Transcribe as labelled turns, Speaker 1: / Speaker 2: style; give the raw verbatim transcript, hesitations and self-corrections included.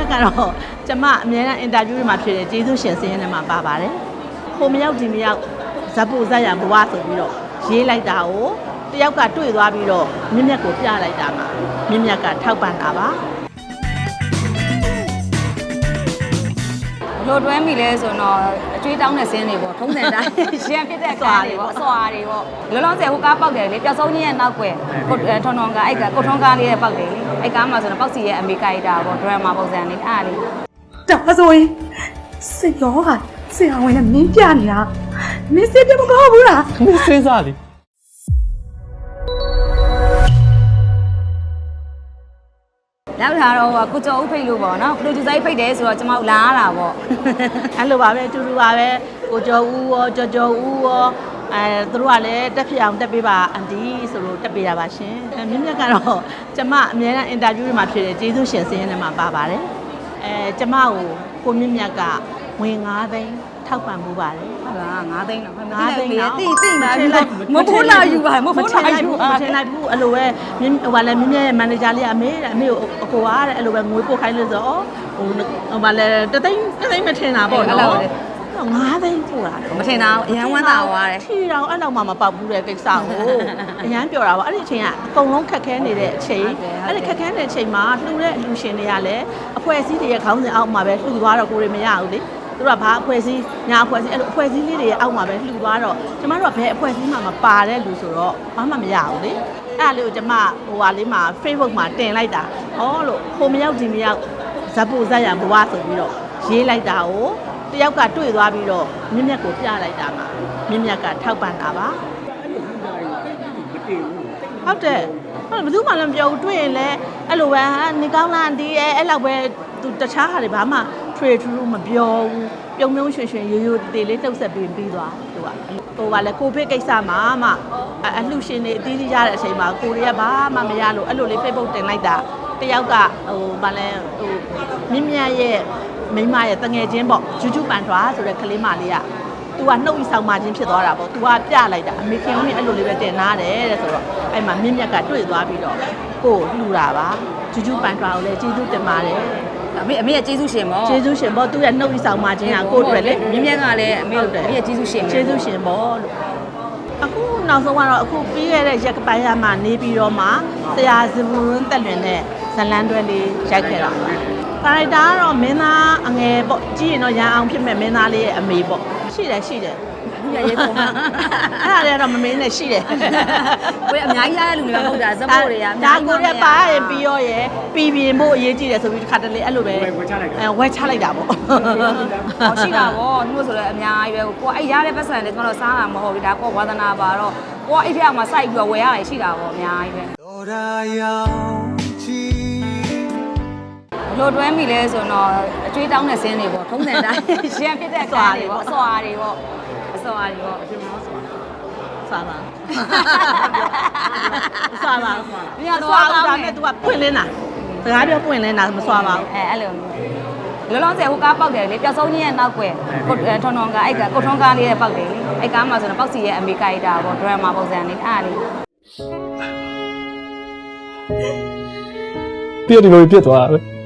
Speaker 1: ကတော့ကျမအများအားအင်တာဗျူးတွေမှာဖြစ်တယ်ကျေးဇူးရှင်စင်းရဲထဲမှာပါပါတယ်ဟိုမရောက်ဒီမရောက်ဇက်ဖို့ဇက်ရဘဝဆိုပြီးတော့ရေးလိုက်တာကိုတယောက်ကတွေ့သွားပြီးတော့မြင့်မြတ်ကိုပြလိုက်တာမှာမြင့်မြတ်ကထောက်ပံ့တာပါ
Speaker 2: လို့တွဲမိလဲဆိုတော့အကျွေးတောင်းတဲ့ဆင်းတွေပေါ့ထုံးစံတိုင်းရှမ်းပြစ်တဲ့ကားတွေပေါ့အစွာတွေပေါ့လောလောဆယ်ဟိုကားပေါက်တယ်လေပျောက်ဆုံးကြီးရဲ့နောက်ွယ်ကိုထွန်းထွန်းကားအဲ့ကကိုထွန်းကားလေးရဲ့ပေါက်တယ်လေအဲ့ကားမှာဆိုတော့ပေါက်စီရဲ့အမေကိုက်တာပေါ့ဒရမာပုံစံလေးအဲ့လေး
Speaker 3: ဒါဆိုရင်စေရောဟာဆရာဝန်နဲ့မင်းပြနေတာမင်းစစ်တယ်မဟုတ်ဘူးလား
Speaker 4: မင်းစဉ်းစားလေ
Speaker 2: နောက်ထားတော့ကိုကျော်ဦးဖိတ်လို့ပေါ့နော်ပရိုဂျူဆာကြီးဖိတ်တယ်ဆိုတော့ကျွန်မတို့လာရတာပေါ့
Speaker 1: အဲ့လိုပါပဲအတူတူပါပဲကိုကျော်ဦးရောကျော်ကျော်ဦးရောအဲသူတို့ကလည်းတက်ဖြစ်အောင်တက်ပေးပါအန်တီဆိုလို့တက်ပေးတာပါရှင်မြင့်မြတ်ကတော့ကျမအများအားအင်တာဗျူးတွေမှာဖြစ်တယ်ကျေးဇူးရှင်စင်းရဲထဲမှာပါပါတယ်အဲကျမကိုကိုမြင့်မြတ်ကဝင်၅သိန်းထောက်ပံ့မှုပါတယ်
Speaker 2: ဟုတ်လား၅သိန်းတော့၅သိန်းတော့တိတိလာပြီမဖိုးလာယူပါမဖိုးလာယူပါ
Speaker 1: မထင်လိုက်ဘူးအဲ့လိုပဲဟိုကလည်းမြင့်မြတ်ရဲ့မန်နေဂျာလေးကအမေတဲ့အမေကိုအကိုအားတဲ့အဲ့လိုပဲငွေပို့ခိုင်းလို့ဆိုတော့ဟိုဟိုကလည်းတသိန်းတသိန်းမထင်တာပေါ့နော်ငါးသိန်းပို့တာ
Speaker 2: မထင်တာအရန်ဝမ်းသာသွားတယ်
Speaker 1: ထီတောင်အဲ့လောက်မှမပေါက်ဘူးတဲ့ကိစ္စကိုအရန်ပြောတာပေါ့အဲ့ဒီအချိန်ကအကုန်လုံးခက်ခဲနေတဲ့အချိန်အဲ့ဒီခက်ခဲနေတဲ့အချိန်မှာလှူတဲ့အလူရှင်တွေကလည်းအဖွဲ့အစည်းတွေရဲ့ခေါင်းစဉ်အောက်မှာပဲလှူသွားတော့ကိုယ်တွေမရဘူးလေသူတို့ကဘာအဖွဲ့အစည်းညာအဖွဲ့အစည်းအဲ့လိုအဖွဲ့အစည်းလေးတွေရဲ့အောက်မှာပဲလှူသွားတော့ကျမတို့ကဘယ်အဖွဲ့အစည်းမှမပါတဲ့လူဆိုတော့ဘာမှမရဘူးလေအဲ့ဒါလေးကိုကျမဟိုဟာလေးမှာ Facebook မှာတင်လိုက်တာဟောလို့ဟိုမရောက်ဒီမရောက်ဇက်ဖို့ဇက်ရဘဝဆိုပြီးတော့ရေးလိုက်တာကိုတယောက်ကတွေ့သွားပြီးတော့မြင့်မြတ်ကိုပြလိုက်တာမှာမြင့်မြတ်ကထောက်ပံ့တာပါဟုတ်တယ်ဘယ်သူမှလည်းမပြောဘူးတွေ့ရင်လည်းအဲ့လိုပဲဟာနေကောင်းလားဒီအဲ့အဲ့လောက်ပဲသူတခြားဟာတွေဘာမှထွေထူးထူးမပြောဘူးပြုံပြုံးရွှင်ရွှင်ရိုးရိုးတေးလေးတုပ်ဆက်ပြီးပြီးသွားသူကဟိုကလည်းကိုဗစ်ကိစ္စမှာမှအလှရှင်တွေအသီးသီးရတဲ့အချိန်မှာကိုရီးယားဘာမှမရလို့အဲ့လိုလေး Facebook တင်လိုက်တာတယောက်ကဟိုဗာလဲဟိုမြင့်မြတ်ရဲ့မိမရဲ့တငယ်ချင်းပေါ့ဂျူဂျူပန်ထွာဆိုတဲ့ကလေးမလေးကသူကနှုတ်ဤဆောင်မှချင်းဖြစ်သွားတာပေါ့သူကပြလိုက်တာအမေခင်ဦးနေအဲ့လိုလေးပဲတင်နာတယ်တဲ့ဆိုတော့အဲ့မှာမြင့်မြတ်ကတွေ့သွားပြီးတော့ကို့လှူတာပါဂျူဂျူပန်ထွာကိုလည်းကျေးဇူးတင်ပါတယ်
Speaker 2: အမေအမေရဲ့ကျေးဇူးရှင်ပေါ့
Speaker 1: ကျေးဇူးရှင်ပေါ့သူရဲ့နှုတ်ဤဆောင်မှချင်းကကို့အတွက်လေ
Speaker 2: မြင့်မြတ်ကလည်းအမေတို့အမေရဲ့ကျေးဇူးရှင်
Speaker 1: ကျေးဇူးရှင်ပေါ့လို့အခုနောက်ဆုံးကတော့အခုပြီးခဲ့တဲ့ရက်ကပိုင်းရမှာနေပြီးတော့မှဆရာဇဘူရင်းတက်လွင်တဲ့ဇလန်းတွဲလေးရိုက်ခဲ့တာပါကာရိုက်တာကတော့မင်းသားအငယ်ပေါ့ကြည့်ရင်တော့ရန်အောင်ဖြစ်မဲ့မင်းသားလေးရဲ့အမေပေါ့ရှိတယ်ရှိတယ်
Speaker 2: ဒီရရေးပုံမှန်
Speaker 1: အဲ့ဒါလည်းတော့မမင်းနဲ့ရှိတယ်
Speaker 2: ကိုယ်အများကြီးရတဲ့လူတွေမဟုတ်တာဇက်ဖို့တွေက
Speaker 1: ဒါကိုရပါရင်ပြီးရောရဲ့ပြီးပြင်ဖို့အရေးကြီးတယ်ဆိုပြီးတစ်ခါတလေအဲ့လိုပဲအဲဝဲချလိုက်တာပေါ့
Speaker 2: ဟောရှိတာပေါ့သူတို့ဆိုလည်းအများကြီးပဲကိုယ်အဲ့ရတဲ့ပတ်စံတွေကျွန်တော်တို့စားတာမဟုတ်ဘူးဒါကိုဝါသနာပါတော့ကိုယ်အဲ့ထက်မှာစိုက်ပြီးတော့ဝယ်ရတယ်ရှိတာပေါ့အများကြီးပဲတော်ရာရောင်ချီလို့တွဲမိလဲဆိုတော့အကျွေးတောင်းတဲ့ဆင်းတွေပေါ့ထုံးစံတိုင်းရှမ်းပြစ်တဲ့ကားတွေပေါ့အစွာတွေပေါ့အစွာတွေပေါ့
Speaker 1: စားပါစားပါညတော့အားဒါနဲ့ तू ကပွင့်လင်းတာစကားပြောပွင့်လင်းတာမစွာပါဘူး
Speaker 2: အဲအဲ့လိုလောလောဆယ်ဟိုကားပေါက်တယ်လေပျောက်ဆုံးကြီးရဲ့နောက်ွယ်ကိုထွန်းထွန်းကားအဲ့ကကိုထွန်းကားလေးရဲ့ပေါက်တယ်လေအဲ့ကားမှာဆိုတော့ပေါက်စီရဲ့အမေကိုက်တာပေါ့ဒရမာပုံစံလေးအဲ့လေး
Speaker 4: ပြည့်ဒီလိုပြည့်သွားတာပဲ